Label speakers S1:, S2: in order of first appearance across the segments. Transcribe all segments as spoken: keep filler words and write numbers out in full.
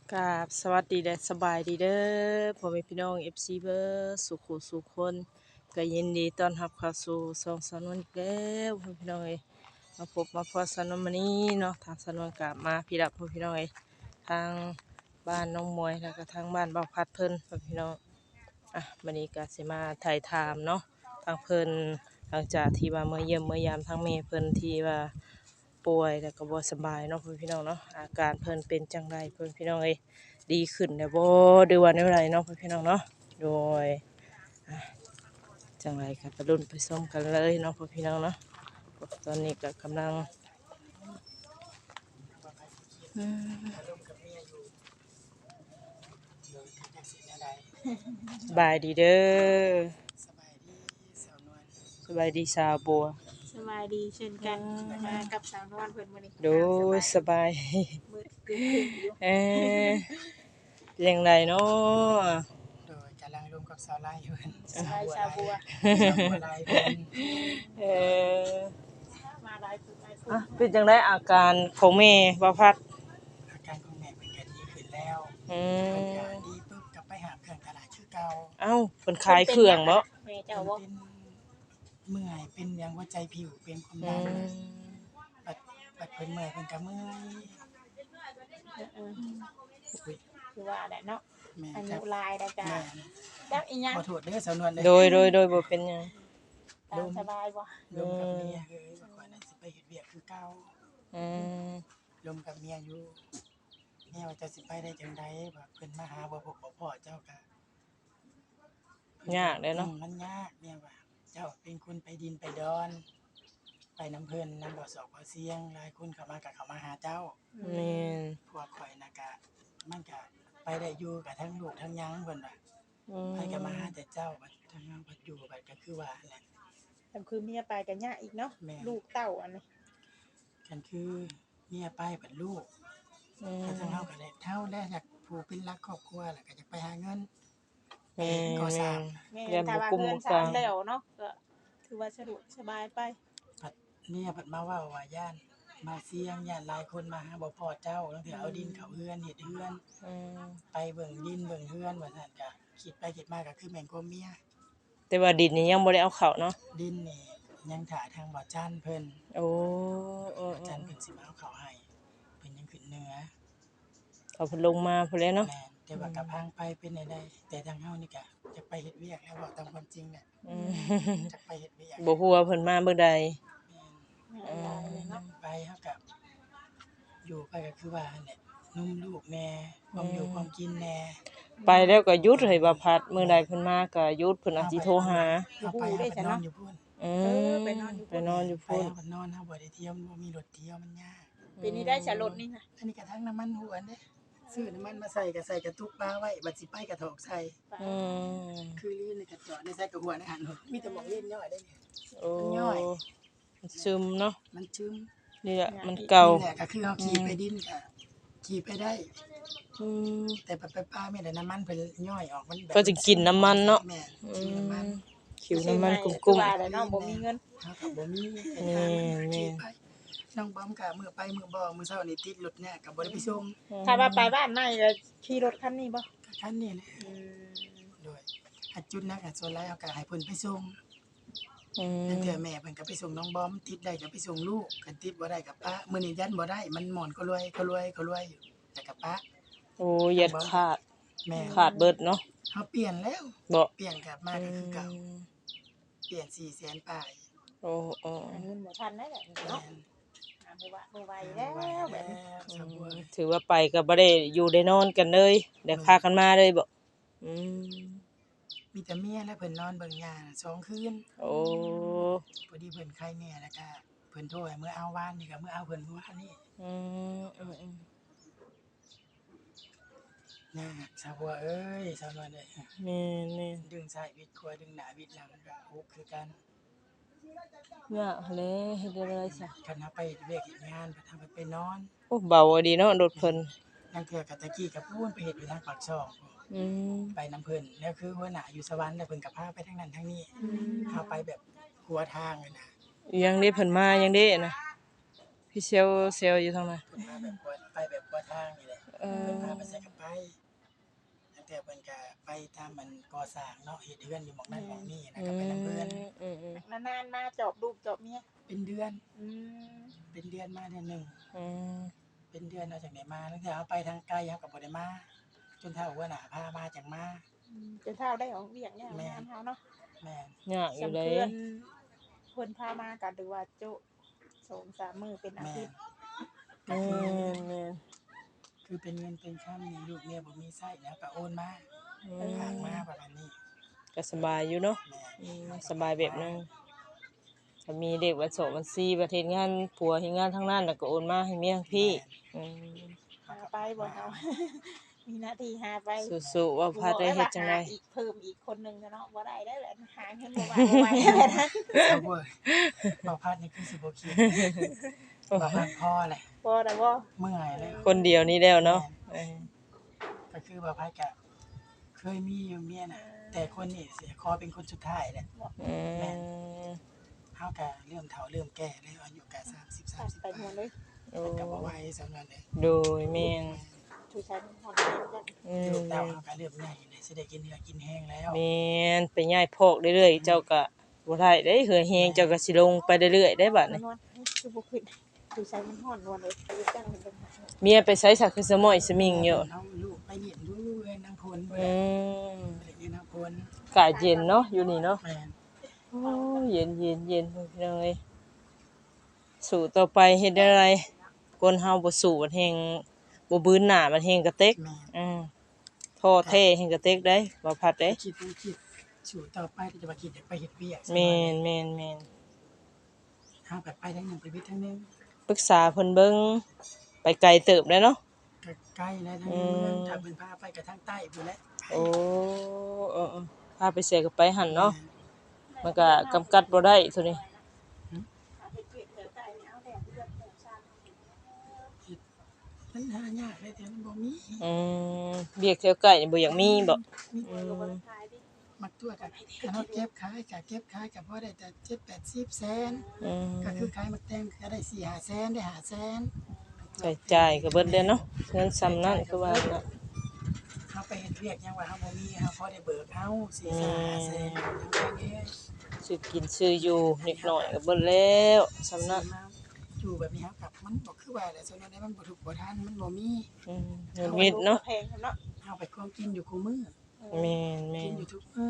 S1: กับสวัสดีและสบายดีเด้อพ่อแม่พี่น้อง เอฟ ซี เบิร์สุขุสุขคนก็ยินดีต้อนรับเข้าสู่ช่องสนวนอีกแล้วพ่อแม่พี่น้องเอ้ยมาพบมาพอสนวนมื้อนี้เนาะทางสนวนกลับมาพี่รับพ่อแม่พี่น้องเอ้ยทางบ้านน้องมวยแล้วก็ทางบ้านเบาพัดเพิ่นพ่อแม่พี่น้องอ่ะมื้อนี้ก็สิมาถ่ายถามเนาะทางเพิ่นหลังจากที่ว่าเมื่อเยี่ยมเมื่อยามทางแม่เพิ่นที่ว่าป่วยแล้วก็บ่สบายเนาะพ่อแม่พี่น้องเนาะอาการเพิ่นเป็นจังไดพ่อแม่พี่น้องเอ้ย ดีขึ้นแล้วบ่หรือว่าแนวใดเนาะพี่น้องเนาะโดยอ่ะจังไรก็ไปรุ่นไปส้มกันเลยเนาะพี่น้องเนาะตอนนี้ก็กำลังอืมสบายดีเด้อ
S2: สบายดีสาวนวล
S1: สบายดีสาวบัว
S3: สบายดีเช่นกันมากับสาวนวลเพิ่นมื้อนี้
S1: โดยสบาย
S3: มื้อครึ่งๆอยู่
S1: เอ๊ะเป็นจังไรเนาะ
S2: โดยกำลังรวมกับสาวไล่อยู่เพิ่น
S3: สบายชาวบัว
S2: สาวบัวไล่เพิ่น
S1: เออ
S3: มาหลายผู้หลายผู้
S1: อ่ะเป็นจังไรอาการของแม่บ่พัด
S2: อาการของแม่เพิ่นก็ดีขึ้นแล้ว
S1: อื
S2: เพิ่นก็
S1: ม
S2: ดีปึ๊บกลับไปหาเครื่องตลาดคือเก่า
S1: เอ้าเพิ่นขายเครื่องบ่
S3: แม่
S2: เพิ่
S3: เจ้าน บ่
S2: เป็นเมื่อยเป็นหยังหัวใจผิวเป็นความ
S1: อื
S2: ดัน
S1: ม
S2: บัดบัดเพิ่นเมื่อยเพิ่นก็เมื่อย
S3: เออ
S2: อุ้ย
S3: ๆคือว่าแหละเนาะ
S2: แม่
S3: อา
S2: ครั
S3: ยุ
S2: บ
S3: หลายแล้วจ้ะ
S2: แม่
S3: จักอีหยัง
S2: ขอโทษเด้อสาวนวลเด้อ
S1: โดยโดยโดยบ่เป็นหยัง
S3: ตามสบายบ่
S2: รวมกับเมียเอ้ยว่าก่อนนั้นสิไปเฮ็ดเวียกคือเก่า
S1: อืม
S2: รวมกับเมียอยู่เมียว่าจะสิไปได้จังไดว่าเพิ่นมาหาบ่พบบ่พ้อเจ้าก็
S1: ยากเลยเนาะ
S2: อืมมันยากเนี่ยว่าเจ้าเป็นคนไปดินไปดอน ไปน้ำเพิ่นน้ำบ่อสอกบ่อเสียงหลายคนเข้ามาก็เข้ามาหาเจ้า
S1: แม่น
S2: พวกข่อยน่ะก็มันก็ไปได้อยู่กับทั้งลูกทั้งหยังเพิ่นว่า
S1: อืม
S2: ไปก็มาหาแต่เจ้าบัดทั้งเฮาบัดอยู่บัดก็คือว่าแหละ
S3: แต่คือเมียไปก็ยากอีกเนาะ
S2: แม่
S3: ลูกเต้าอันนี้
S2: กันคือเมียไปบัดลูก
S1: อืม
S2: ก็ทั้งเฮาก็ได้เท่าแล้วอยากผู้เป็นรักครอบครัวแล้วก็อยากไปหาเงิน
S1: แม่
S2: ก่อสร้าง
S3: แม่
S1: เรียน
S3: ถ้า
S1: บ่
S3: ว่า
S1: กุม
S3: เงิ
S1: บ่
S3: น
S1: ก
S3: สา
S1: ลาม ง
S3: แล้วเนาะก็ถือว่าสะดวกสบายไป
S2: ผัดเมียผัดมาเว่าว่าย่านมาเสียงย่านหลายคนมาหาบ่พอเจ้าตั้งแต่เอาดินเขาเฮือนเฮ็ดเฮือน
S1: อืม
S2: ไปเบิ่งดินเบิ่งเฮือนว่าซั่นก็คิดไปคิดมาก็คือแม่นกว่าเมีย
S1: แต่ว่าดินนี่ยังบ่ได้เอาเข้าเนาะ
S2: ดินนี่ยังถ่าทางบ่อจันเพิ่น
S1: โอ้เออ
S2: บ่อจันเพิ่นสิมาเอาเข้าให้เพิ่นยังขึ้นเหนือ
S1: ๆเอาเพิ่นลงมาพุ่นแหล้วเนาะ
S2: แม่นแต่ว่ากะพังไปเป็นได้ได้แต่ทางเฮานี่ก็จะไปเฮ็ดเวียกแล้วบอกตามความจริงแหละ
S1: อืม
S2: จะไปเฮ็ดเวียก
S1: บ่ฮู้ว่าเพิ่นมาเมื่อใด
S2: แม่น
S3: หลายเลยเนาะ
S2: ไปเฮาก็อยู่ไปก็คือว่านั่นแหละนุ่มลูกแน่ความอยู่ความกินแน่
S1: ไปแล้วก็หยุดให้บ่พัดมื้อใดเพิ่นมาก็หยุดเพิ่นอาจสิโทรหา
S2: เอาไปเอาไปนอนอยู่พุ่น
S1: อื
S3: เอ
S1: ม
S3: อไปนอนอยู่
S1: ไปนอนอยู่
S2: ไป
S1: พุ่น
S2: เอาไปนอนเฮาบ่ได้เที่ยวบ่มีรถเที่ยวมันยาก
S3: ปีนี้ได้ฉลดนี่นะ
S2: อันนี้ก็ทั้งน้ำมันหวนเด้ซื้อน้ำมันมาใส่ก็ใส่กระตุกปลาไว้บัดสิไปกระถอกใส่
S1: อืม
S2: คือลีนในกระจอดในใส่กระหัวในหันมีแต่หมองเล่นย่อยได้เนี่ย
S1: โอ้
S2: มันย่อย
S1: มันซึมเนาะ
S2: มันชื้ม
S1: นี่แหละมันเก่า
S2: นี่แหละก็คือเฮาขี่ไปดินก็ขี่ไปได้
S1: อืม
S2: แต่ไปไปปลาไม่ได้น้ำมันเพิ่นย่อยออกมันแบบ
S1: ก็จะกินน้ำมันเนาะ
S2: แม่
S1: อื
S2: กินน้ำมัน
S1: มขิวน้ำมันกุ้
S3: คือ
S1: ม
S3: ว่าแหละเนาะบ่มีเงิน
S2: เฮาก็บ่มี
S1: แม่แม่
S2: ขี่ไปน้องบอมก็มื้อไปมื้อบ่มื้อเช้านี่ติดรถเนี่ยก็บ่ได้ไปส่ง
S1: ๆ
S3: ถ้าว่าไปบ้านใหม่ก็ขี่รถคันนี้บ่
S2: ก็คันนี้แหละ
S3: อืม
S2: โดยถ้าจุดนักอะส่วนหลายเฮาก็ให้เพิ่นไปส่ง
S1: อืม
S2: นั่นเทื่อแม่เพิ่นก็ไปส่งน้องบอมติดได้ก็ไปส่งลูกคันติดบ่ได้ก็ป้ามื้อนี้ยันบ่ได้มันหมอนก็รวยก็รวยก็รวยอยู่แต่ก็ป้า
S1: โอ้ยยัดขาด
S2: แม่
S1: ขาดเบิดเนาะ
S2: เฮาเปลี่ยนแล้ว
S1: บ่
S2: เปลี่ยนกลับมาก็คือเก่าเปลี่ยนสี่แสนปลาย
S1: โอ้โอ้
S3: หาเงินบ่ทันได้แหละ
S2: แม่
S3: เนาะ
S2: น
S3: หาบ่ว่าบ่ไหวแล้วแบบนี้
S2: สาวบัว
S1: ถือว่าไปก็บ่ได้อยู่ได้นอนกันเลยได้พากันมาเลยบ่อืม
S2: มีแต่เมียและเพิ่นนอนเบิ่งยาน่ะสองคืน
S1: โอ้
S2: พอดีเพิ่นไข้แน่แล้วก็เพิ่นโทรให้มื้อเอาวานนี่ก็มื้อเอาเพิ่นเมื่อวานนี้
S1: อืมอืมอืม
S2: นะสาวบัวเอ้ยสาวนวลเอ้ย
S1: แม่นแม่น
S2: ดึงซ้ายวิดขวาดึงหน้าวิดหลังก็ฮุกคือกัน
S1: ยากแหล้เฮ็ดได้ไรซะ
S2: คันเฮาไปเฮ็ดเวียกเฮ็ดงานเพิ่นทำไปไปนอน
S1: โอ้เบาอะดีเนาะรถเพิ่น
S2: นั่นเทื่อก็ตะกี้ก็พูนไปเฮ็ดอยู่ทางปากช่องพู้น
S1: อืม
S2: ไปน้ำเพิ่นแล้วคือหัวหน้าอยู่สวรรค์แล้วเพิ่นก็พาไปทางนั้นทางนี้พาไปแบบหัวทางเลยนะ
S1: ยังได้เพิ่นมายังได้นะพี่เซลเซลอยู่ทางนั้น
S2: เพิ่นมาแบบหัวไปแบบหัวทางนี่แหละ
S1: เอ
S2: เพิ่นพาไปใส่กับไปตั้งแต่เพิ่นก็ไปตามมันก่อสร้างเนาะเฮ็ดเรือนอยู่หม้องนั้นหม้องนี้นะก็ไปนำเพิ่น
S1: อืมอืม
S3: นานๆมาจอบลูกจอบเมีย
S2: เป็นเดือน
S3: อืม
S2: เป็นเดือนมาเดือนหนึง
S1: อืม
S2: เป็นเดือนเอาจังได๋มาตั้งแต่เฮาไปทางไกลเฮาก็บ่ได้มาจนเท่าหัวหน้าพามาจังมา
S3: อืมจนเท่าได้ของเวียกเนี่ยงานเฮาเนาะ
S2: แม่น
S1: ยากอยู่
S3: สำ
S1: เด้
S3: เพื่อนเพิ่นพามาก็ดูว่าโจะสองสามมื้อเป็นอา
S2: แม่
S3: ทิ
S2: น
S3: ตย์
S2: ก็
S1: แม่
S2: คือ
S1: นแม่น
S2: คือเป็นเงินเป็นค่านี่ลูกเมียบ่มีไส้แล้วก็โอนมา
S1: อื
S2: ฝาก
S1: ม
S2: มาประมาณนี้
S1: ก็สบายอยู่เนาะ
S2: แม่
S1: อืม
S2: เฮาก็
S1: สบายแบบนึงถ้ามีเด็กวันโสวันซีประเทศงานผัวเฮ็ดงานทางนั้นแล้วก็โอนมาให้เมียพี่ อืม
S3: หาไปบ่เฮา มีหน้าที่หาไป
S1: สู้ๆว่าพัดได้เฮ็ดจังได๋
S3: หาอีกเพิ่มอีกคนหนึงเนาะบ่ได้ได้แหละหาเงินบ่ว่าบ่ไหวแล้วนะ
S2: เอาเว้ยบ่พัดนี่คือสิบ่คิดบ่พัดพอแหละ
S3: บ่ได้บ่
S2: เมื่อยแล้ว
S1: คนเดียวนี่แล้วเนาะเออ
S2: ก็คือบ่พัดก็เคยมีอยู่เมียน่ะ แต่คนนี้สิขอเป็นคนสุดท้ายแหละ
S1: อืม
S2: เฮาก็เริ่มเฒ่าเริ่มแก่แล้วอายุก็สามสิบ
S3: ตัด
S2: สามสิบ
S3: ไปหมดเลย
S1: โอ้
S2: ก็บ่ไหวสำนั้นเด้
S1: โดยแม่น
S3: ผู้ชายมันฮอดแม่นจัง
S1: อื
S2: ลูกเต้า
S1: ม
S2: เฮาก็เริ่มใหญ่แล้วสิได้กินเนื้อกินแห้งแล้ว
S1: แม่นไปย้ายพอกเรื่อยๆเจ้าก็บ่ได้เด้เหือแฮงเจ้าก็สิลงไปเรื่อยๆได้บัดนี้
S3: นวลคือบ่ขึ้นผู้ชายมันฮอดนวลเลยไปจังเป็นปัญหา
S1: เมียไปไสสักคือสมอยสมิงอยู่
S2: เอาลูกไปเรียนดูเรียนนางพล
S1: อืม
S2: ไปเรียนนางพล
S1: อากาศเย็นเนาะอยู่นี่เนาะ
S2: แม่น
S1: โอ้เย็นเย็นเย็นพี่น้องเอ้ยสู้ต่อไปเฮ็ดได้ไรคนเฮาบ่สู้มันแฮงบ่บืนหน้ามันแฮงกระเต็ก
S2: แม่น
S1: อืมท้อแท้แฮงกระเต็กได้บ่พัดเด้
S2: คิดบ่คิดสู่ต่อไปก็จะมาคิดอยากไปเฮ็ดเวียก
S1: แม่นแม่นแม่น
S2: เฮาแบบไปทางหนึงไปวิทย์ทางหนึง
S1: ปรึกษาเพิ่นเบิ่งไปไกลเติบได้เนาะ
S2: ก็ใกล้แล้วทางนี้เมืองถ้าเพิ่นพาไปก็ทางใต้พุ่นแหละ
S1: โอ้เออๆพาไปเสียก็ไปหั่นเนาะมันก็กำกัดบ่ได้ตัวนี้
S2: มันหายากเลยแต่มันบ่มี
S1: อืมเวียกแถวใกล้นี่บ่อยากมีบ่
S2: มี
S1: อืม
S2: มักตัวก็คันเฮาเก็บขายก็เก็บขายก็พอได้แต่เจ็ด แปด สิบแสน
S1: อืม
S2: ก็คือขายมักแตงก็ได้สี่ ห้าแสนได้ห้าแสน
S1: ใช้จ่ายก็เบิดเด้เนาะเงินซ้ำนั้นคือว่าน่ะ
S2: เฮาไปเฮ็ดเวียกหยังว่าเฮาบ่มีเฮาพอได้เบิกเอาสี่ ห้าแสนทั้งแค่นี้
S1: ซื้อกินซื้ออยู่นิดหน่อยก็เบิดแล้วซ้ำนั้น
S2: อยู่แบบนี้ครับกับมันบ่คือว่าแหละส่วนนั้นมันบ่ถูกบ่ทันมันบ่มี
S1: อืมเงินวิทย์เนาะ
S3: แพงเนาะ
S2: เฮาไปควมกินอยู่คู่มื้อ
S1: แม่นแม่
S2: กิน
S1: น
S2: อยู่ทุกมื้อ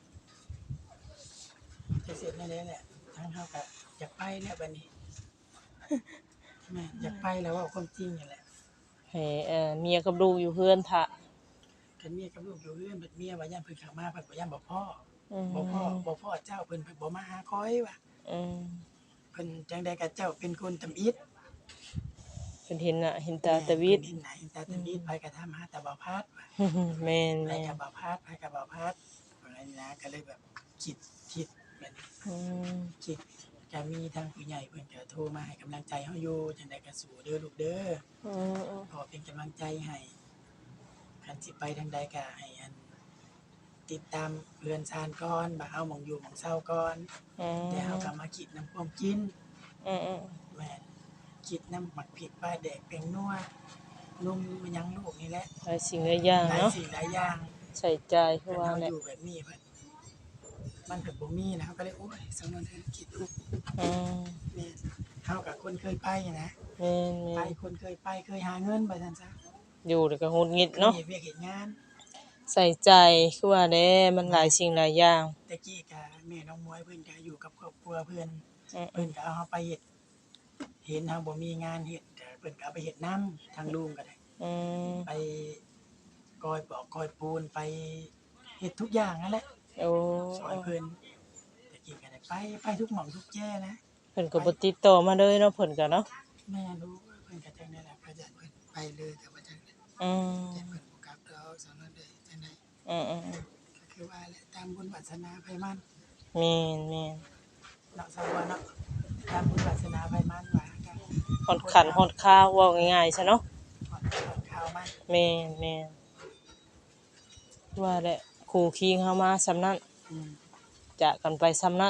S2: จะเสร็จนั่นแหละแหละทางเฮาก็อยากไปแล้วบัดนี้แม่นอยากไปแล้วเว้าความจริงนี่แหละ
S1: ให้เอ่อเมียกับลูกอยู่เฮือนท่า
S2: คันเมียกับลูกอยู่เรือนบัดเมียว่าย่านเพิ่นเข้ามาเพิ่นบ่ย่านบ่พ่อ
S1: อืม
S2: บ่พ่อบ่พ่อเจ้าเพิ่นเพิ่นบ่มาหาคอยว่ะ
S1: อืม
S2: เพิ่นจังได๋ก็เจ้าเป็นคนตำอิด
S1: เพิ่นเห็นน่ะเห็นตาตะวิด
S2: เพิ่นเห็นหน้าเห็นตาตำอิดไปก็ถามหาแต่บ่พัดว่ะ
S1: แม่น
S2: ไป
S1: แม่น
S2: กับบ่พัดไปกับบ่พัดอะไรนี่นะก็เลยแบบคิดคิดแบบนี้
S1: อืม
S2: คิดก็มีทางผู้ใหญ่เพิ่นก็โทรมาให้กำลังใจเฮาอยู่จังได๋ก็สู้เด้อลูกเด้อ
S1: อืมอืม
S2: ขอเป็นกำลังใจให้คันสิไปทางใดก็ให้อันติดตามเรือนชานก่อนบ่าเฮาหม่องอยู่หม่องเซาก่อน
S1: อืม
S2: แต่เฮาก็มาคิดนำความกิน
S1: อืมอืม
S2: แม่นคิดนำหมักผิดปลาแดกแป้งนัวนุ่มมันยังลูกนี่แหละ
S1: หลายสิ่งหลายอย่าง
S2: หลาย
S1: เนาะ
S2: สิ่งหลายอย่าง
S1: ใส่ใจายคือ
S2: คัน
S1: ว่า
S2: เฮา
S1: แห
S2: อ
S1: ละ
S2: ยู่แบบนี้เพิ่นมันเพิ่นบ่มีนะเฮาก็เลยโอ้ยสำนวนเพิ่นคิดอุก
S1: อืม
S2: แม่นเฮากับคนเคยไปนะ
S1: แม่น
S2: ไป
S1: แม่น
S2: คนเคยไปเคยหาเงินไปซั่นซะ
S1: อยู่แล้วก็หงุดหงิดเนาะ
S2: เฮ็ดเวียกเฮ็ดงาน
S1: ใส่ใจคือว่าแหละมันหลายสิ่งหลายอย่าง
S2: แต่กี้ก็แม่น้องมวยเพิ่นก็อยู่กับครอบครัวเพิ่น
S1: อืมอื
S2: เพิ่
S1: ม
S2: นก็เอาเฮาไปเฮ็ดเห็นเฮาบ่มีงานเฮ็ดก็เพิ่นก็เอาไปเฮ็ดนำทางลุงก็ได้
S1: อืม
S2: ไปกอยปอกกอยปูนไปเฮ็ดทุกอย่างนั่นแหละ
S1: โอ้
S2: ซอยเพิ่นแต่กี้ก็ได้ไปไปทุกหม่องทุกแจ้นะ
S1: เพิ่นก็บ่ติดต่อมาเลยเนาะเพิ่นก็เนาะ
S2: แม่รู้เพิ่นก็จังได๋ล่ะก็จะเพิ่นไปเลยก็บ่จังได๋
S1: อืม
S2: แต่เพิ่นบ่กลับดอกสำนั้นเด้จังได๋
S1: อืมอืม
S2: ก็คือว่าแหละตามบุญวาสนาไผมัน
S1: แม่นแม่น
S2: เนาะสาวเนาะตามบุญวาสนาไผมันว่ากัน
S1: ฮอดขันฮอดข้าวเว้าง่ายๆซะเนาะ
S2: ฮอดฮอดข่าวมัน
S1: แม่นแม่นว่าแหละคู่คิงเฮามาซำนั้น
S2: อืม
S1: จากกันไปซำนั้น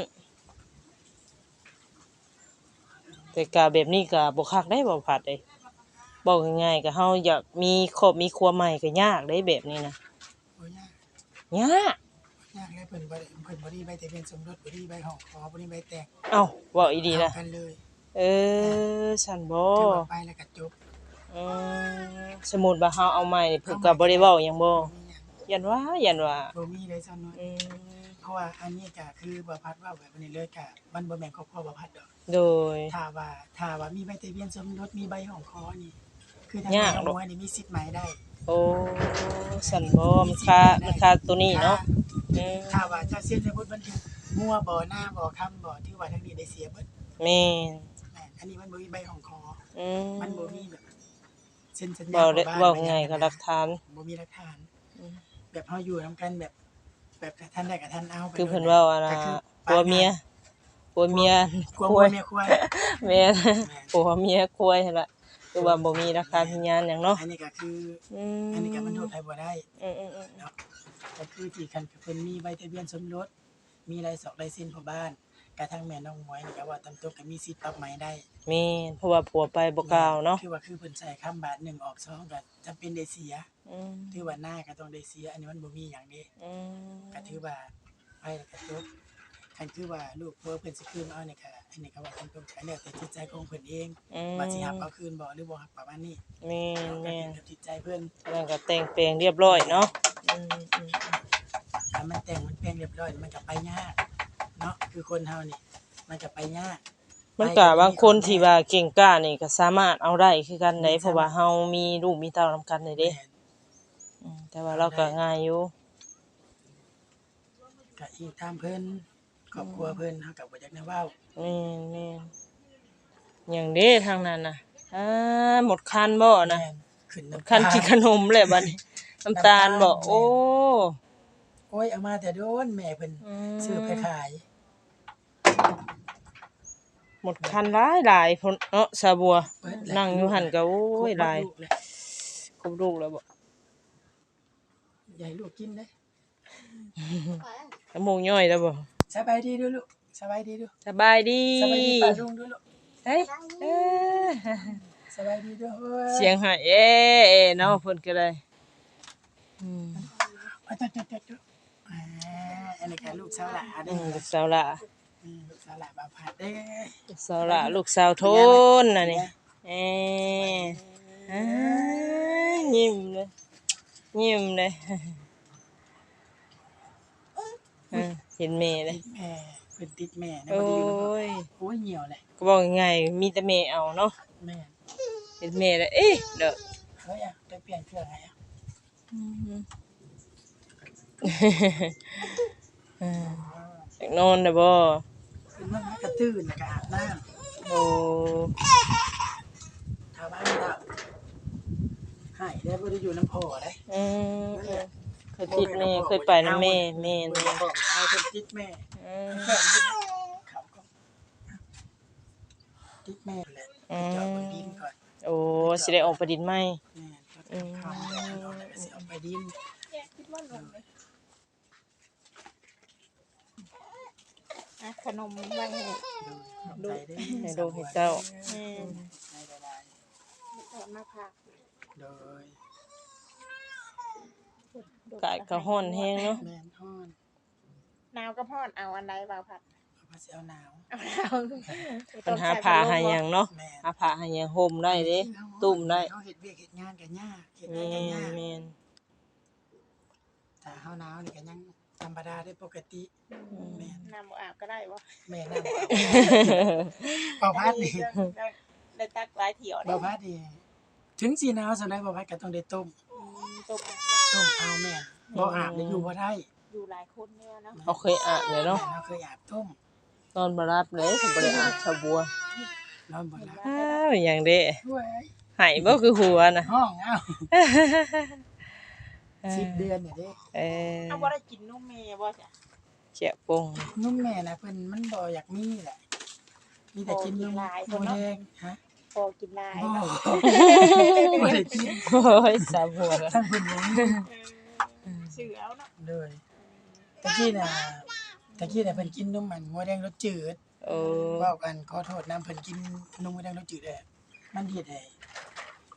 S1: แต่ก็แบบนี้ก็บ่คักได้บ่พัดเด้บบอกง่ายๆก็เฮาอยากมีครอบมีครัวใหม่ก็ยากเด้แบบนี้นะ
S2: บ่ยาก
S1: ยาก
S2: ยากแล้วเพิ่นบ่ได้เพิ่นบ่ได้ใบทะเบียนสมรสบ่ได้ใบห้องขอบ่ได้ใบแต่ง
S1: เอ้าเว้าอีหลี
S2: เอา
S1: นะ
S2: กันเลย
S1: เออฉันบ่
S2: ถือว่าไปแล้วก็จบ
S1: อืมสมมุติว่าเฮาเอาใหม่นี่เพิ่นก็บ่ได้เว้าหยังบ่
S2: บ่มีหยัง
S1: ยันว่ายันว่า
S2: บ่มีเลยซ้ํน้อย
S1: อืม
S2: เพราะว่าอันนี้ก็คือบ่พัดเว้าแบบนี้เลยก็มันบ่แม่นครอบครัวบ่พัดดอก
S1: โดย
S2: ถ้าว่าถ้าว่ามีใบทะเบียนสมรสมีใบห้องขอนี่คือทาง
S1: ยาก
S2: แม่
S1: หรอ
S2: น้องมวยนี่มีสิทธิ์หมายได้
S1: โอ้ฉันบ่มันค่ามันค่าตัวนี้เนาะอืม
S2: ถ้าว่าเจ้าเสียสมมุติมันอยู่มั่วบ่หน้าบ่คำบ่ถือว่าทางนี้ได้เสียเบิด
S1: แม่น
S2: แม่นอันนี้มันบ่มีใบของคอ
S1: อืม
S2: มันบ่มีแบบเซ็นสัญญา
S1: เว้าได้
S2: ของบ้น
S1: เว้า
S2: บ่
S1: ง่ายก็หลักฐาน
S2: บ่มีหลักฐาน
S1: อืม
S2: แบบเฮาอยู่นํกันแบบ แบบท่านได้กับท่านเอาไป
S1: คือเพิ่นเว้าอะนะ
S2: ก็คือ
S1: ผัวเมียผัวเมีย
S2: กลัว
S1: ค
S2: ผั
S1: ว
S2: วย เมียควาย
S1: แม่นผัวเมียควายหั่นล่ะคือว่าบ่มีหลักฐานพยานหยังเนาะ
S2: อันนี้ก็คือ
S1: อืม
S2: อันนี้ก็มันโทษใครบ่ได้
S1: อืมๆๆ
S2: เนาะก็คือที่คันเพิ่นมีใบทะเบียนสมรสมีลายศอกลายเซ็นพ่อบ้านกระทั่งแม่น้องมวยนี่ก็ว่าตามตัวก็มีสิทธิ์ปรับใหม่ได้
S1: แม่นเพราะว่าผัวไปบ่กล่าวเนาะ
S2: คือว่าคือเพิ่นใช้คำบาทหนึ่งออกสองก็จำเป็นได้เสีย
S1: อืม
S2: ถือว่าหน้าก็ต้องได้เสีย อันนี้มันบ่มีหยังเด้
S1: อืม
S2: ก็ถือว่าไปแล้วก็จบคันคือว่าลูกผัวเพิ่นสิคืนเอานี่ก็อันนี้ก็ว่าตามตรงก็แล้วแต่จิตใจของเพิ่นเอง
S1: อืม
S2: ว่าสิรับเอาคืนบ่หรือบ่รับประมาณนี้
S1: แม่น
S2: ก็
S1: แม่
S2: ขึ้
S1: น
S2: นกับจิตใจเพิ่น
S1: แล้วก็แต่งแปลงเรียบร้อยเนาะอืมอืม
S2: ถ้ามันแต่งมันแปลงเรียบร้อยมันก็ไปยากเนาะคือคนเฮานี่มันก็ไปยาก
S1: มันก็บางคนที่ว่าเก่งกล้านี่ก็สามารถเอาได้คือกันได้เพราะว่าเฮามีลูกมีเต้านำกันได้เด้
S2: แม่น
S1: อืมแต่ว่าเราก็ง่ายอยู่
S2: ก็อีกตามเพิ่นครอบครัวเพิ่นเฮาก็บ่อยากแนวเว้า
S1: แม่นแม่นหยังเด้ทางนั้นน่ะอาหมดคันบ่นะ
S2: แม่นขึ้น
S1: หมด
S2: น้ำ
S1: คัน
S2: ตา
S1: กินขนมเลยบัดนี้น้ำตาลบ่โอ้
S2: โอ้ยเอามาแต่โดนแม่เพิ่น
S1: อืม
S2: ซื้อไปขาย
S1: หมดคันหลายหลายพุ่นเนาะสาบัว
S2: เบิดแล้ว
S1: นั่งอยู่หั่นก็โอ้ยหลาย
S2: ครบลูกเลย
S1: ครบลูกแล้วบ่
S2: อย่าให้ลูกกินเด้
S1: น้ำมูกย่อยแล้วบ่
S2: สบายดีเด้อลูกสบายดีเด้อ
S1: สบายดี
S2: สบายดีป้าลุงเด้อลูก
S1: เฮ้ยเอ้อ
S2: สบายดีเด้อเฮ้ย
S1: เสียงหายเอ้เอ้เนาะเพิ่นก็ได้อืม
S2: อ่ะจ๊ะๆๆอ่าอันนี้ก็ลูกสาวหลาเด้
S1: อื
S2: อ
S1: มลูกสาวหละ
S2: อืมลูกสาวหลาบ่าวผัดเด้อ
S1: ลูกสาวหละลูกสาวโทนน่ะนี่เอ้อ่ายิ้มเลยยิ้มเลยอ่าเห็นแม่เลย
S2: แม่เพิ่นติดแม่นะ
S1: โอ้
S2: บ่ได้อยู่นำ
S1: ย
S2: โอ้ยเหี่ยวเลย
S1: ก็บอกง่ายๆมีแต่แม่เอาเนาะ
S2: แม่
S1: เห็นแม่แล้วเอ๊ะเด้อ
S2: เฮ้ยอ่ะได้เปลี่ยนเครื่องให้อ่ะ
S1: อืมอ่าอยากนอนได้บ่
S2: ขึ้นมาหากระตื้นแล้วก็อาบน้ำ
S1: โอ้
S2: ชาวบ้านเราหายได้บ่ได้อยู่น้ำพ่อได้
S1: อืมเคยติดแม่เคยไปนำแม่แม่
S2: บ่
S1: นี่
S2: ได้บอกเอาเพิ่นติดแม่
S1: อืม
S2: แค่นี้เขาก็ติดแม่แหละ
S1: อืม
S2: จอดบนดินก่อน
S1: โอ้สิได้ออกไปดินไหม
S2: แม่จอดกับเขาแล้วก็แล้วก็สิเอาไปดิน
S3: แยกคิดว่านมเลยอ่ะขนมไว้ให้
S2: ดูใจได้
S1: ให้ลูกให้เจ้า
S3: แม่
S2: ใจละลาย
S3: เอามาผัก
S2: โดย
S1: กายก็ฮ้อนแฮงเนาะ
S2: แม่นฮ้อน
S3: หนาวก็พอดเอาอันใดบ่าวผัด
S2: เพราะว่าสิเอาหนาว
S3: เอาหนาว
S1: ปัญหาผ้าหาหยังเนาะ
S2: แม่น
S1: หาผ้าหาหยังห่มได้เด้ตุ้มได้
S2: เฮาเฮ็ดเวียกเฮ็ดงานก็ยากเฮ็ด
S1: แม่
S2: งานก็
S1: น
S2: ยาก
S1: แม่น
S2: ถ้าเฮาหนาวนี่ก็ยังธรรมดาได้ปกติแม่น
S3: น้ำบ่อาบก็ได้บ่
S2: แม่นำเป่าพัดนี่
S3: ได้ได้ตักหลายเที่ยวได้
S2: เป่าพัดนี่ถึงสิหนาวสำาใดเป่าพัดก็ต้องได้ต้ม
S3: อืมตกอาบเนาะ
S2: ต้มเอาแม่นบ่อาบนี่อยู่บ่ได้
S3: อยู่หลายคนเนี่ยเนาะ
S1: เขาเคยอาบเลยเนาะ
S2: แม่นเฮาเคยอาบต้ม
S1: นอนบ่รับเลยถ้าบ่ได้อาบชาวบัวน
S2: อนบ่หลับ
S1: อ้าวหยังเด้
S2: ด้วย
S1: หายบ่คือหัวน่ะ
S2: ห้องเอ้าสิบเดือนนี่เด้
S1: เออ
S3: เอาบ่ได้กินนมแม่บ่จ้ะ
S1: เจียปง
S2: นุ่มแม่น่ะเพิ่นมันบ่อยากมีแหละ มีแต่กินนมหมูแดงฮะ
S3: พอกินหลาย
S2: บ่
S3: เนาะ
S2: บ่ได้กิน
S1: โอ้ยสาวหัวน่ะ
S2: ทั้งเพิ่นบ่มี
S3: เออชื่อเอาเนาะ
S2: เลยตะกี้น่ะตะกี้น่ะเพิ่นกินนมมันหมูแดงรสจืด
S1: โอ้
S2: เว้ากันขอโทษนํเพิ่นกินนมหมูแดงรสจืดแหละมันเฮ็ดให้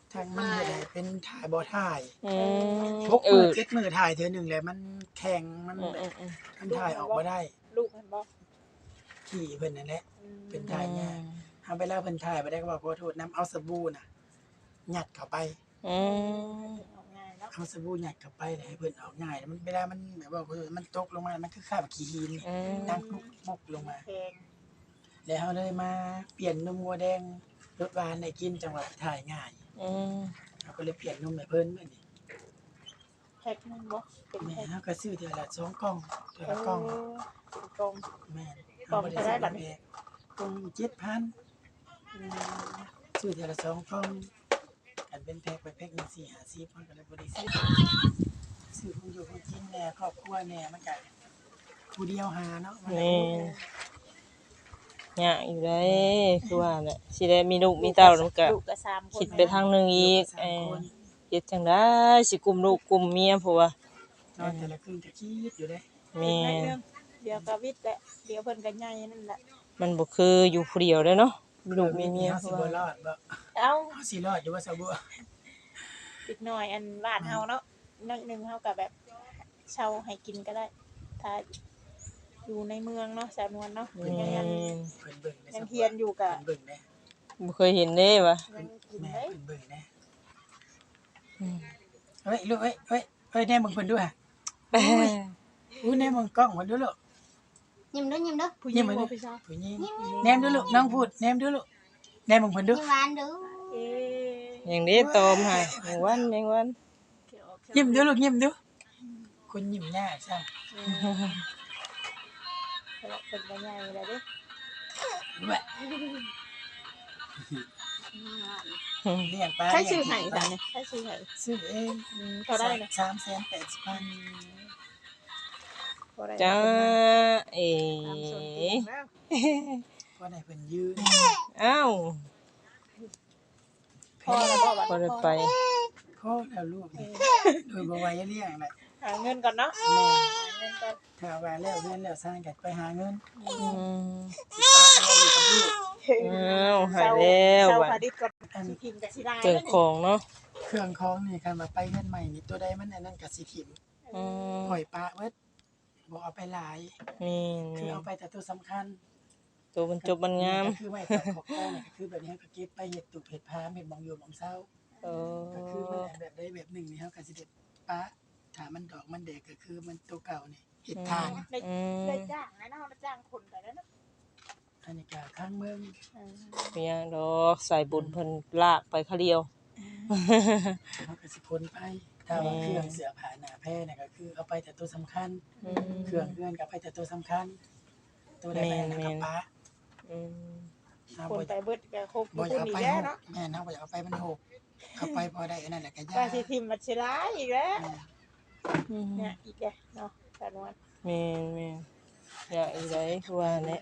S2: ทางมันเฮ็ดให้เป็นถ่ายบ่ถ่าย
S1: อืม
S2: หก มื้อ
S1: เออ
S2: เจ็ดมื้อถ่ายเทื่อหนึงแล้วมันแข็งมัน
S1: อืม
S2: แบบ
S1: อืม
S2: มันถ่ายออกบ่ได้
S3: ลูกมันบ่
S2: ขี้เพิ่นนั่นแหละ
S3: อืม
S2: เป็นถ่ายยากเฮาเวลาเพิ่นถ่ายบ่ได้ก็บอกขอโทษนํเอาสบู่น่ะยัดเข้าไป
S1: อืม
S3: ออกง่ายเนาะ
S2: เอาสบู่ยัดเข้าไปแล้วให้เพิ่นออกง่ายมันเวลามันแบบว่ามันตกลงมามันคือคราบขี้หิน
S1: อืม
S2: ดังปุกปุกลงมา
S3: แพง
S2: แล้วเฮาเลยมาเปลี่ยนนมวัวแดงรสหวานให้กินจังหวะถ่ายง่าย
S1: อืม
S2: เฮาก็เลยเปลี่ยนนมให้เพิ่นมื้อนี้
S3: แพ็คนึงบ่เป็น
S2: แม่
S3: แพ็ค
S2: เฮาก็ซื้อเทื่อละสองกล่องเทื่อ
S3: เอ
S2: ละกล่อง
S3: อเป็นกล่อง
S2: แม่น
S3: กล่องเท่าไหร่บัดนี้
S2: กล่องเจ็ดพัน
S3: อืม
S2: ซื้อเทื่อละสองกล่องกันเป็นแพ็คไปแพ็คหนึงสี่ห้าสิบมันก็เลยบ่ได้ซื้อซื้อของอยู่ของกินแหน่ครอบครัวแหน่มันก็ผู้เดียวหาเนาะมัน
S1: แม่นยากอยู่ได้คือว่าแหละสิได้มีลูกมีเต้าแล้วก็
S3: ลูกก็สามคน
S1: คิดไปทางหนึงอีกเออเฮ็ดจังได๋สิกุมลูกกุมเมียเพราะว่าน
S2: อนแต่ละคืนก็คิดอยู่เด้
S1: แม่
S3: นิด
S1: น
S3: นึงเดี๋ยวก็วิทย์แหละเดี๋ยวเพิ่นก็ใหญ่นั่นแหละ
S1: มันบ่คืออยู่ผู้เดียวเด้อเนาะมีลูกมีเมีย
S2: เฮา
S1: เพ
S2: สิ
S1: ราะ
S2: บ่
S1: ว่าร
S2: อดบ่
S3: เอ้า
S2: เฮาสิรอดอยู่ว่าซะบ่
S3: อีกหน่อยอันบ้านเฮาเนาะน้อยหนึงเฮาก็แบบเช่าให้กินก็ได้ ถ้าอยู่ในเมืองเนาะสาวนวลเนาะ
S1: แม่
S3: ยังยัง
S1: น
S2: เพิ่นเบิ่งได้
S3: ยังเฮียนอยู่ก็
S2: เพิ่นเบิ่งได้
S1: บ่เคยเห็นเด้ว่ะ
S3: ยังกิน
S2: แม่
S3: ได้
S2: เพิ่นเบิ่งได้
S1: อืม
S2: เฮ้ยลูกเฮ้ยเฮ้ยเฮ้ยแน่มึงเพิ่นด้วยอู้แน่มึงกล้องเพิ่นด้วยลูก
S4: ยิ้มด้วยยิ้มด้วย
S3: ผู้ห
S2: ยิ้
S3: ญิง
S2: มมาดิ
S3: บ่พี่ชาย
S2: ผู้หญิงแนมด้วยลูกน้องพูดแนมด้วยลูกแนมมึงเพิ่นด้วย
S4: ยิ้มหวานดู
S3: เอ๊ะ
S1: อย่างนี้ตอมให้แมงวันแมงวัน
S3: เกี่ยวออก
S2: ยิ้มด้วยลูกยิ้มด้วยคนยิ้มยากซั่น
S3: อืมเพราะว่าเพิ่นก็ใหญ่แล้วเด้
S2: แหวะเลี้ยงปลา
S3: ใช้ชื่อให้จ้ะเนี่ยใช้ชื่อให้
S2: ซื้อเอง
S3: อืมเท่าได้นะ
S2: สามแสนแปดสิบพัน
S3: เท่าได้
S1: จ้าเอ๋
S3: ตามส่วนเตียงแล้ว
S2: ก็ได้เพิ่นยืน
S1: อ้าว
S3: พอแล้วบ่บัด
S1: บ่ได้ไป
S2: พ่อแล้วลูกนี่โดยบ่ว่าจะเลี้ยงแหละ
S3: หาเงินก่อนเนาะ
S2: แม่
S3: หาเงินก่อน
S2: ถ้าว่าแล้วเรียนแล้วสร้างกันไปหาเงิน
S1: อืม
S2: สิป้าเลี้ยงอยู่กับลูก
S1: อ้าวหายแล้ว
S3: เซา
S1: บั
S3: พา
S1: ด
S3: ดิษก่อนสิพิมพ์กับสิได้
S1: เกิดของเนาะ
S2: เครื่องของนี่คันว่าไปเงินใหม่นี่ตัวใดมันอันนั้นก็สิถิ่ม
S1: อืม
S2: ปล่อยปลาเบิดบ่เอาไปหลาย
S1: มี
S2: คือเอาไปแต่ตัวสำคัญ
S1: ตัวบรรจบมันงาม
S2: ก็คือไว้ตัดขอบคอนี่ก็คือแบบนี้ก็เก็บไปเฮ็ดตุกเฮ็ดพามเฮ็ดหมองอยู่หมองเซา
S1: เอ
S2: ก็คือมัน
S1: อ
S2: อันแบบใดแบบหนึ่งนี่เฮาก็สิเด็ดปลาถ้ามันดอกมันแดกก็คือมันตัวเก่านี่เฮ็ดทาน
S3: ได้
S1: อืม
S3: ได้จ้างนะเนาะได้จ้างคนไปแล้วเนาะ
S2: อันนี้ก็ข้างเมือง
S3: อืม
S1: เมียดอกสายบุญเพิ่นลากไปเขาเดียว
S2: เฮาก็สิพ้นไปถ้าว่าเครื่องเสื้อผ้าหน้าแพรนี่ก็คือเอาไปแต่ตัวสำคัญ
S1: อืม
S2: เครื่องเฮือนก็เอาไปแต่ตัวสำคัญ ตัวใดไปอันนั้นก็ปลา
S1: อืม
S2: ถ้า
S3: คน
S2: บ่
S3: ไปเบิดก็ครบ
S2: บ่
S3: ทุ
S2: อยาก
S3: น
S2: เอา
S3: อี
S2: ไป
S3: กแล้ว
S2: หก
S3: เนาะ
S2: แม่นเฮาบ่อยากเอาไปมันหกเอาไปพอได้อันนั้นแหละก็ยา
S3: ก็สิทิมมัดสิร้ายอีกแล้ว
S1: อืม
S3: เนี่ยอีกแล้วเนาะสาวนวล
S1: แม่นแม่นอยากอีได้คือว่าแหละ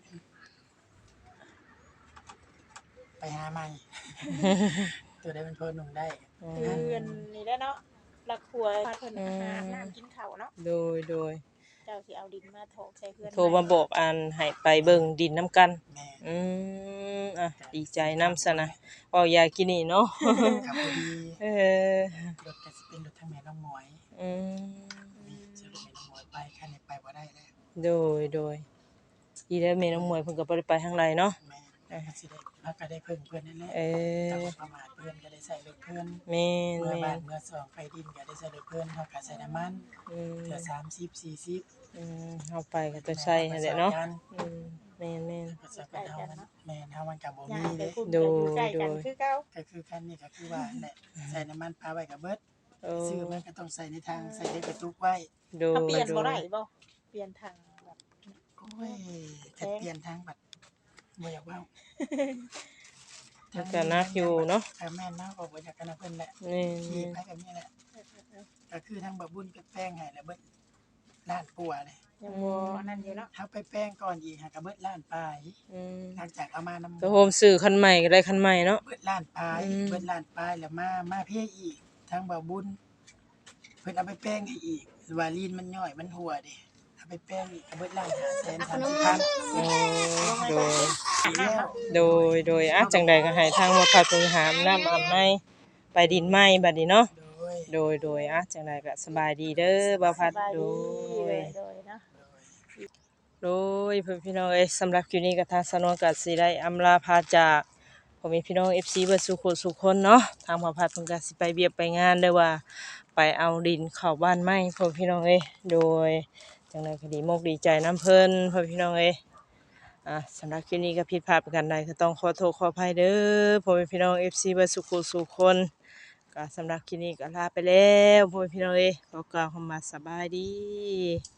S2: ไปหาใหม่ ตัวใดมันพอหนุ่มได้
S1: อื
S3: คือ
S1: ม
S3: อันนี้แหล้วเนาะรักครัวพาเพิ่นหาน้ำกินข้าวเนาะ
S1: โดยโดย
S3: เจ้าสิเอาดินมาถอกใส่เพื่อน
S1: โทรมาบอกอันให้ไปเบิ่งดินน้ำกัน
S2: แม่
S1: อืมอ่ะดีใจนำซะนะเว้ายากินนี่เนาะ
S2: กับพอดี
S1: เออ
S2: รถก็สิเป็นรถทางแม่น้องหมวย
S1: อืม
S2: จะรถแม่น้องหมวยไปคันนี้ไปบ่ได้แล้ว
S1: โดยโดยอีแล้วแม่น้องมวยเพิ่นก็บ่ได้ไปทางไรเนาะ
S2: แม่ก็สิได้พักก็ได้เพิ่งเพิ่นนั่นแหละ
S1: เออ
S2: ถ้าบ่ประมาทเพิ่นก็ได้ใส่รถเพิ่น
S1: แม่น
S2: เมื่อ
S1: แม่
S2: บ้าน
S1: น
S2: เมื่อสองไปดินก็ได้ใส่รถเพิ่นเฮาก็ใส่น้ำมัน
S1: อืม
S2: เทื่อสามสิบ สี่สิบ
S1: อืมเฮาไปก็จะใช้หั่นแหละเนาะอืมแม่นแม่น
S2: ก็จะเป็นเฮามันแม่นเฮามันก็บ่
S3: ย่า
S2: มี
S3: งไป
S2: เด้
S3: พุ่น
S1: โด
S3: ก็
S1: ย
S3: อยู่ใกล้กัน
S1: โดย
S3: คือเก่า
S2: ก็คือคันนี้ก็คือว่านั่นแหละใส่น้ำมันปลาไว้กับเบิด
S1: โอ้
S2: ซื้อมันก็ต้องใส่ในทางใส่ในกระตุกไว้
S1: โดย
S3: เขาเปลี่ยน
S1: โด
S3: บ่
S1: ย
S3: ได้บ่เปลี่ยนทางแบบ
S2: โอ้ยจะเปลี่ยนทางบัดบ่อยากเว้า
S1: มันก็นักอยู่เนาะ
S2: ก็แม่นเนาะก็บ่อยากกันนะเพิ่นแหละ
S1: นี่
S2: ขี่ไปแบบนี้แหละก็คือทางบ่บุญก็แป้งให้แล้วเบิดล้านปัวเลย
S3: ยังบ่อันนั้นอยู่เนาะ
S2: เฮาไปแป้งก่อนอีกหาก็เบิดล้านปลาย
S1: อืม
S2: หลังจากเอามานำ
S1: ก็โฮมซื้อคันใหม่ก็ได้คันใหม่เนาะ
S2: เบิดล้านปลาย
S1: อืม
S2: เบิดล้านปลายแล้วมามาเพอีกทางบ่บุญเพิ่นเอาไปแป้งให้อีกว่าลีนมันย่อยมันหัวเด้เอาไปแป้งอีกก็เบิดล้านห้าแสนสามสิบพัน
S1: โอ้โดย
S2: แล้ว
S1: โดยโดยอ่ะจังใดก็ให้ทางวัดพระพึงหามน้ำอาบในไปดินไม้บัดนี้เนาะ
S2: โดย
S1: โดยโดยอ่ะจังไดก็สบายดีเด้อบ่าวพัด
S3: สบาย
S1: โด
S3: ดีเลย ยโดยเนาะ
S1: โดยเพื่อนพี่น้องเอ้ยสำหรับคลิปนี้ก็ทางสนวนก็สิได้อำลาพาจากพ่อแม่พี่น้อง เอฟ ซี เบิดสุขสุขคนเนาะทางบ่าวพัดเพิ่นก็สิไปเวียกไปงานเด้อว่าไปเอาดินเข้าบ้านใหม่พ่อพี่น้องเอ้ยโดยจังไดก็ดีมกดีใจนํเพิ่นพ่อพี่น้องเอ้ยอ่ะสำหรับคลิปนี้ก็ผิดพลาดประการใดก็ต้องขอโทษขออภัยเด้อพ่อแม่พี่น้อง เอฟ ซี เบิดสุขสุขคนก็สำหรับคลิปนี้ก็ลาไปแล้วพ่อแม่พี่น้องเอ้ยขอกล่าวคำว่าสบายดี